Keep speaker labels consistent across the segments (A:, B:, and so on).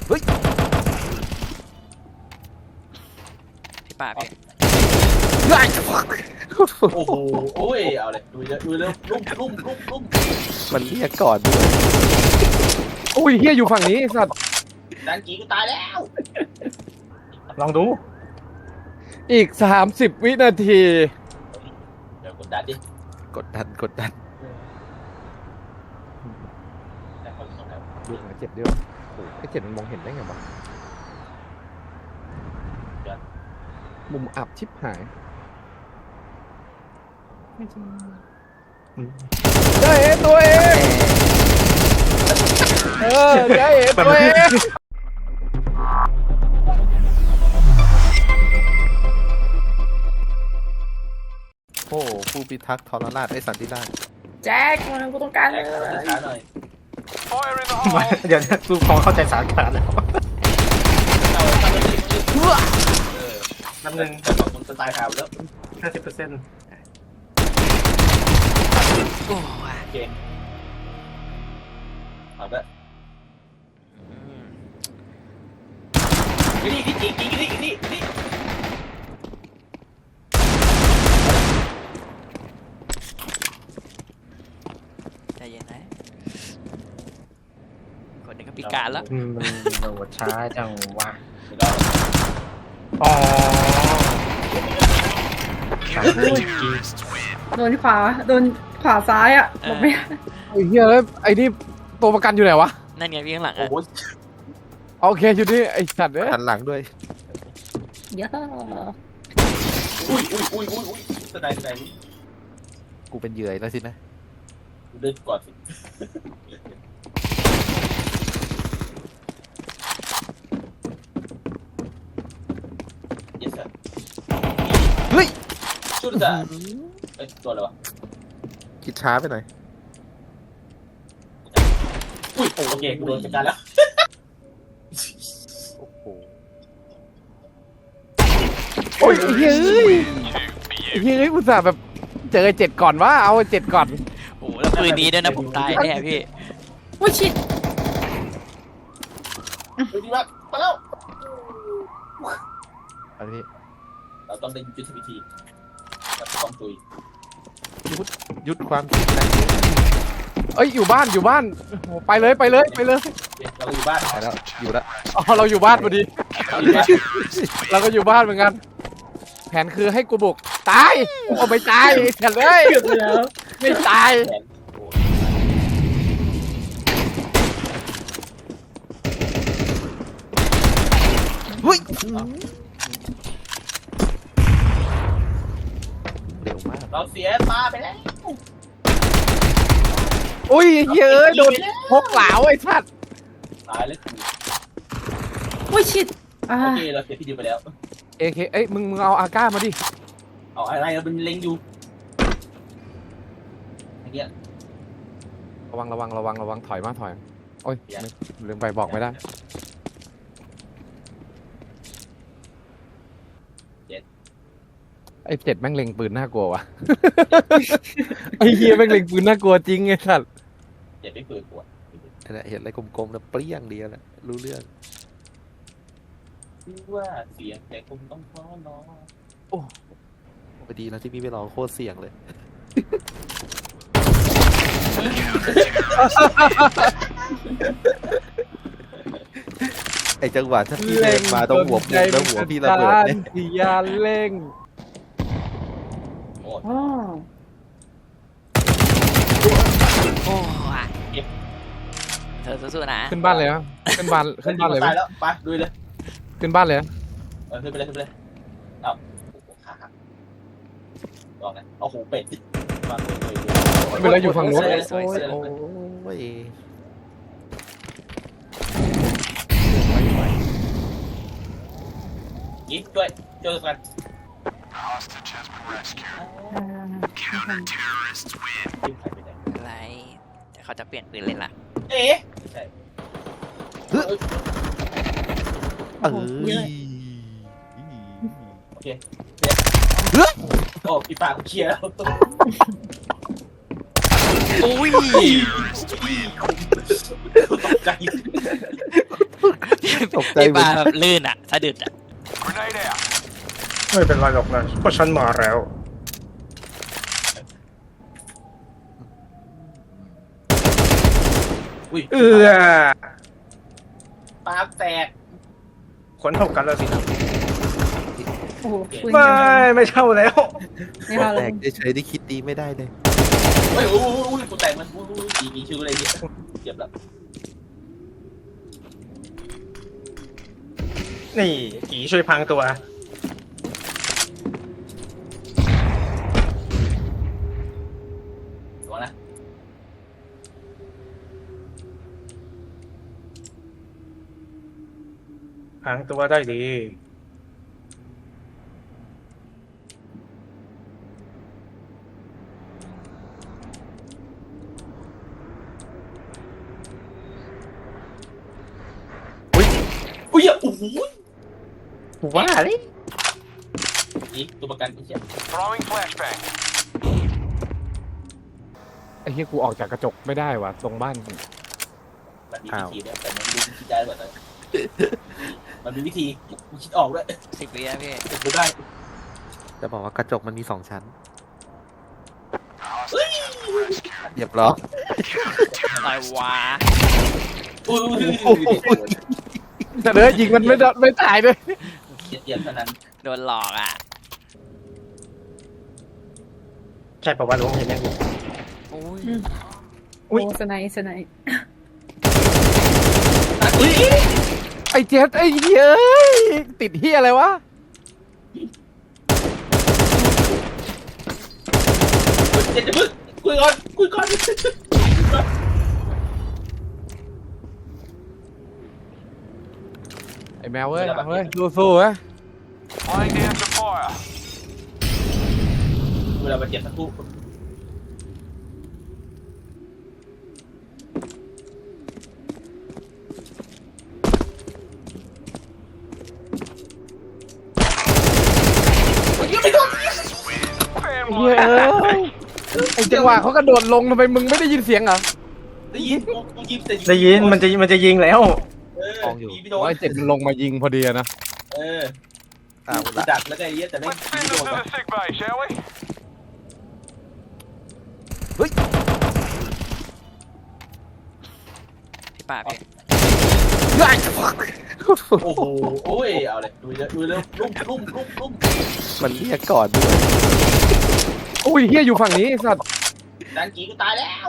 A: เฮ้ย
B: ที่ปากพี่
C: โอ้โหโอ้ยเอาเลยดูเยอะดูเร็วลุ่ม
A: มันเรียกก่อนด้วย
D: อุ้ยเฮียอยู่ฝั่งนี้ไอ้สัตว์
C: ดันกีกูตายแล้ว
E: ลองดู
D: อีก30 วินาที
C: เดี๋ยวกดดันดิ
A: กดดัน
C: แต่คนส่งแล้ว
D: ดูหาเจ็บด้วยโอ้ไอ้เจ็บมันมองเห็นได้ไงวะมุมอับชิบหายได้เห็นตัวเองได้เห็นตัวเอง
A: โอ้ผู้พิทักษ์ทรราชไอ้สันติราช
F: แจ็คมันกูต้องการเลย
C: ช้าหน่อย
E: เดี๋ยวดูพอเข้าใจสารขาดแล้ว
C: เราทำอะไร
E: น้ำหนึ่ง
C: แต่บอกคนจะตายข่าวแล้ว
E: 50%
B: โอ้ย
C: โอเคเอาละนี่นี่
B: ใจเย็นนะคนหนึ่งก็พิการแล้ว
E: มันโหลดช้าจังวะ
C: เดี๋ยวเรา
E: อ๋อ
F: โดนขวาโดนขวาซ้ายอ่ะหลบไม่ได้
D: ไอ้เฮียแล้วไอ้นี่ตัวประกันอยู่ไหนวะ
B: นั่นไงพี่ข้างหลัง
C: โอ้
B: อ่ะ
C: โห
D: โอเคอยู่นี่ไอ้สัตว์เนี่ย
A: หันหลังด้วย
F: เยอะ
C: อุ้ยแสดง
A: กูเป็นเหยื่อแล้วสินะ
C: เดินก่อนสิเยสเฮ้ยชุดจ้ะเอ้ยตัวอะไรวะ
A: คิดช้าไปหน่อย
C: อุ้ยโอเคกูโดนจัดการแล้ว
A: โอ้โห
D: โอ้ยไอ้เฮ้ยไอ้เฮ้ยอุตส่าห์แบบเจอไอ้เจ็ดก่อนว่าเอาไอ้เจ็ดก่อน
B: โอ้โหแล้วปืนนี้ด้วยนะผมตายแน่พี่
F: โอ้ยชิด
C: ดูดีมากมาแล้ว
A: อันนี้
C: เราต้องได้ยุทธวิธีเราต้องตุย
A: ยุดความคิดนะ
D: เอ้ยอยู่บ้านโอ้ไปเลย
C: เราอยู่บ้าน
A: ไปแล้วอยู่แล้ว
D: อ๋อเราอยู่บ้านพอดี
C: เราอยู่บ้าน
D: เราก็อยู่บ้านเหมือนกันแผนคือให้กูบุกตายเอาไม่ตายเฉยเลย
F: เกือบไปแล้ว
D: ไม่ตาย
C: แขนโอ้ย
A: เฮ้ยเร็วมาก
C: เราเสียตาไปแล้ว
D: อุ้ยเฮ้ยโดนพกเหลาไอ้สัตว์
C: ตายเลย
F: โอ้ยชิดอ่า
C: โอเคเราเสียพี่ดิวไปแล้ว
D: เอเคเอ้ยมึงเอาอาก้ามาดิ
C: เอาอะไรเราเป็นเล็งอยู่อย่างเงี้ย
D: ระวังถอยมาโอ้ยลืมไปบอกไม่ได้ไอ้เจ็ดแม่งเล็งปืนน่ากลัววะ ไอ้เฮียแม่งเล็งปืนน่ากลัวจริงไอ้สัตว์
C: เจ็บไม่เปิดปวด
A: นั่นแหละเห็นอะไรกลมๆแล้วเปรี้ยงเดียวแหละรู้เรื่อง
C: ว่าเสียงแต่คงต้องท้อน้อ
A: พอดีนะที่พี่ไปลองโคตรเสี่ยงเลย ไอจังหวะถ้าพี่เดินมาตรงหัวผมแล้วหัวพี่ระเบิดเนี่ย
D: ที่ยานเล่ง
C: โอ้
F: อ๋อ
B: โอ้ยเธอสู้ๆนะ
D: ขึ้นบ้านเลยนะขึ้นบ้านเลยไหม
C: ตายแล้วไปดูเลย
D: ขึ้นบ้านเลยนะ
C: ขึ้นไปเลยเอ้าขาหักลองนะเอาหูเป็ดมาเลย
D: เวลาอยู่ฝั่งนู้น
A: โอ้ยโอ้ย
C: ยิงด้วยเจอกัน
B: อะไรแต่เขาจะเปลี่ยนปืนเลยล่ะ
C: เอ๊ะไม่ใช่
A: เออ
C: โอเคโอ้พี่ปากเคลียร์แล้ว
B: โอ้ย
C: ตกใจ
A: ตกใจ
B: ไอ้
A: หม
B: ป
A: ด
B: ลาแบบลื่นอ่ะสะดุดอ่ะ
E: ไม่เป็นไรหรอกนะเพราะฉันมาแล้ว
C: อุ้ย
E: เอื้อ
C: ปากแตก
E: คนเท่ากันแล้วสินะ
F: โอ้โหปืน
E: ไม่
F: ยัง
E: ไม่เช่าแล้ว
F: ไม่เข้า
A: แต
F: เลย
A: กเฉยๆที่คิดดีไม่ได้เลย
C: เฮ้ยอุ้ยกูแตกมันอุ้ยมีชื่ออะไรเนี่ยเจ็บแล้ว
E: นี่กีช่วยพังตัว
C: ดูนะ
E: พังตัวได้ดี
C: อุ้ยโอ้โห
E: ว่าเลย
C: นี่ตัวประกันไอ้เหี้ย
D: ไอ้เหี้ยกูออกจากกระจกไม่ได้ว่ะตรงบ้าน
C: มันมีวิธีเนี่ยแต่มันไม่รู้วิธีได้หรือเปล่ามันมีวิธีกูคิดออกด้วย
B: 10 วินะพี่
C: กูได้
A: จะบอกว่ากระจกมันมี2 ชั้นเรียบร้อย
B: ตายวา
C: อุ้ย
D: แต่เลยยิงมันไม่ตายด้วย
C: เจ็บเท่านั้น
B: โดนหลอกอ่ะ
E: ใช่ป่าวว่ารู้เห็นไหม
B: โอ้ย
F: โอ้สไนส์สไนส์
D: ไอ้เจ็ดไอ้เหี้ยเอ้ยติดเหี้ยอะไรวะ
C: เจ็บจะพึ่งคุยก่อน
D: ไอ้แมวเว้ยเอาเว้ยสู้ๆเว้ย
C: เวลามันเจ็บสักครู่ยังไม่โดน
D: เหี้ยเอ้ยไอ้จังหวะเขากระโดดลงทำไมมึงไม่ได้ยินเสียงเหรอ
C: ได้ยินกูยิงแต่
E: ได้ยินมันจะยิงแล้ว
C: ยิงไม่โดน
D: ไอ้เจ็ดมันลงมายิงพอดีอะนะ
A: เอา
C: กู
A: ละ
C: ดักแล้วไงเยอะแต่ไม่ยิงไม่โดนวะ
B: พี่ปลาพี่
C: โอ้โหโอ้ยเอาเลยดูเยอะลุ่ม
A: มันเรียกก่อนด้วย
D: อุ้ยเหี้ยอยู่ฝั่งนี้ไอ้สัตว์
C: ดังกีกูตายแล้ว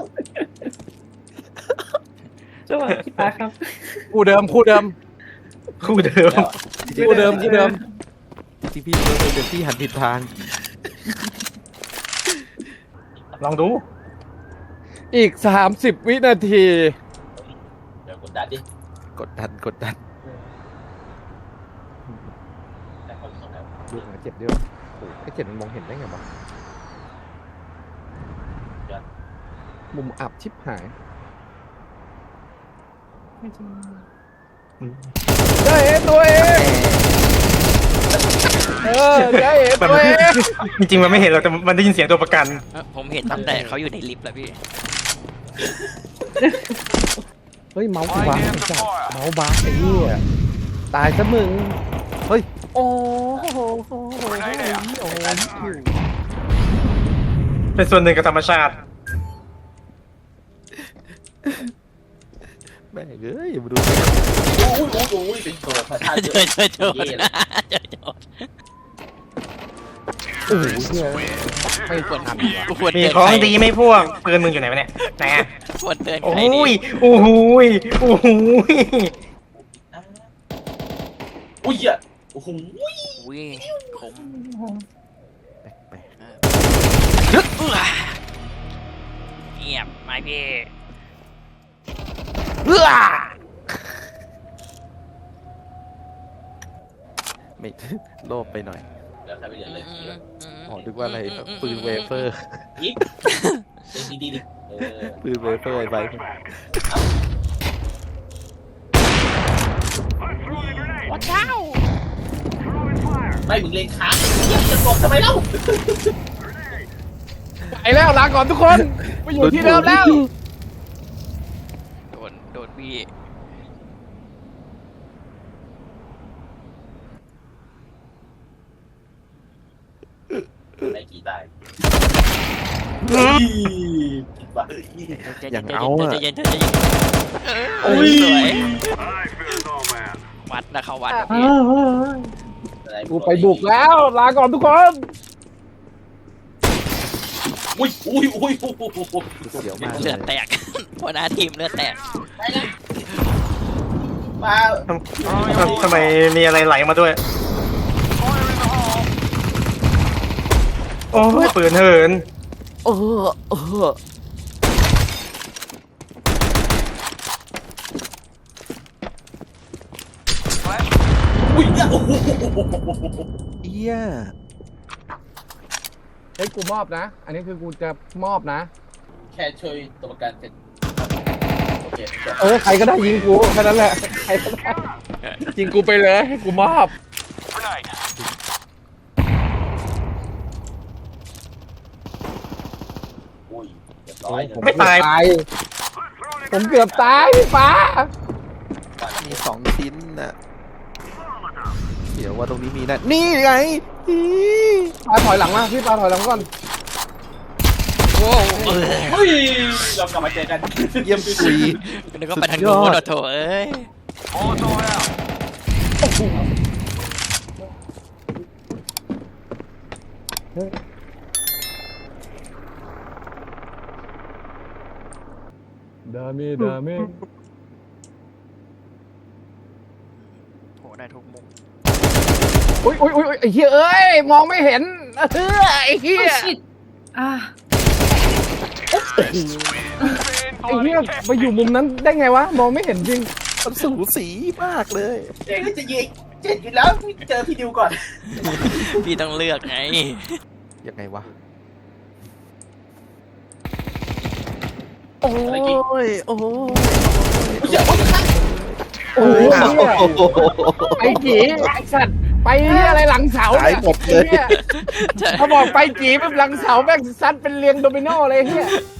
F: จังหวะพี่ปาครับ
D: คู่เดิม
E: คู่เดิม
D: ที่เดิม
A: ที่พี่เป็นพี่หันผิดทาง
E: ลองดู
D: อีก30 วินาที
C: เดี๋ยวกดดันดิ
A: กดดัน
C: แต่คนสองแล้ว
D: ดูหาเจ็ดด้วยโอ้ไอ้เจ็ดมันมองเห็นได้ไงวะมุมอับชิบหายได้เห็นตัวเองได้เห็นตัวเอง
E: จริงๆมันไม่เห็นหรอกแต่มันได้ยินเสียงตัวประกัน
B: ผมเห็นตั้งแต่เขาอยู่ในลิฟต์แล้วพี่
D: เฮ้ยเมาส์กูบังไอ้สัตว์เมาส์บังไอ้เหี้ยตายซะมึงเฮ้ยโอ้โหโอ้โห
E: เป็นส่วนหนึ่งกับธรรมชาติ
A: แม่งเอ้ยมาดู
C: โอ้ยเป็นตัวพระธาตุ
B: เจ
C: เย
B: อ
C: อะ
B: เจอโจรเจอโจร
D: โอ้โหเหี้ยไม่ควรทำ
B: กูควร
E: มี
B: เตือน
E: ของ
B: ใคร
E: ดีไหม่พวกปืนมึงอยู่ไหนวะเนี่ยไหนอะ
B: ควรเตือน
E: โอ้
B: ใครดี
E: ยโอ้โหยโอ้โหย
C: อุ้ยอ่ะโอ้โห
B: อุ้ยผม
A: แปลก
B: เงียบไหมพี่
A: ๆไม่โลภไปหน่อย
C: เดี๋ยวทำไปเรื่อยเลย
A: อ๋อนึกว่าอะไรปืนเวเฟอร์
C: ยิงดีดิ
A: ปืนเวเฟอร์ไอ้ใบ
C: ไม่มึงเลงค้างจะบอกทำไมเล่า
D: ไปแล้วลาก่อนทุกคนไปอยู่ที่เดิมแล้ว
B: โดนพี่
C: กี่ตายเฮ้ยผิดว่ะ
A: อย่างเอาอะ
B: ใจเย็นใจเย็น
C: โอ้ย
B: สวยวัดนะเขาวัด
D: กูไปบุกแล้วลาก่อนทุกคน
C: อุ้ย
A: เสียวมากเล
B: เลือย ดแตกหัวหน้าทีมเลือดแตก
C: มา
E: ทำไมมีอะไรไหลมาด้วย โอ้ยปืนเหิน
A: เออ
C: อุ้ยเนี่ยโอ้โห
A: เอี้ย
D: เฮ้ยกูมอบนะ อันนี้คือกูจะมอบนะ
C: แค่ช่วยตัวประกันเสร็จโอเคจบ
D: ใครก็ได้ยิงกูแค่นั้นแหละใครก็ได้ยิงกูไปเลยให้กูมอบ
C: อุ้ยเรียบร้อยเลย
E: ไม่ตาย
D: ผมเกือบตายพี่ฟ้า
A: มี2 ชิ้นน่ะเดี๋ยวว่าตรงนี้มีนะนี่ไงอี
D: ปาถอยหลังมาพี่ปาถอยหลังก่อน
B: โอ้โห
C: เฮ้ยเรากลับมาเจอกัน
A: เยี่ยมคุย
B: นึกว่าไปทางนู้นโถเอ้ย
D: ดาเมดาเม
B: โหได้ทุกมุม
D: อุ้ยไอ้เหี้ยเอ้ยมองไม่เห็นไอ้เหี้
F: โอ้
D: ย
F: ชิตอ่ะ
D: ไอ้เหี้ยไปอยู่มุมนั้นได้ไงวะมองไม่เห็นจริง
A: มันสูสีมากเลย
C: เจ๊ก็จะยิงเจ็ดอยู่แล้วเจอพี่ดิวก่อน
B: พี่ต้องเลือกไง
A: ยังไงวะ
C: อะไรกิน
A: โอ้ย
C: อย่าพูดนะ
D: โอ้ยไอ้จีไอ้สัตว์ไปเหี้ยอะไรหลังเสา
A: หาย
D: เนี่ย
A: หมดเลย
D: ไอ้หี้เขาบอกไปจีแบบหลังเสาแม่งซัดเป็นเรียงโดมิโนเลยเฮีย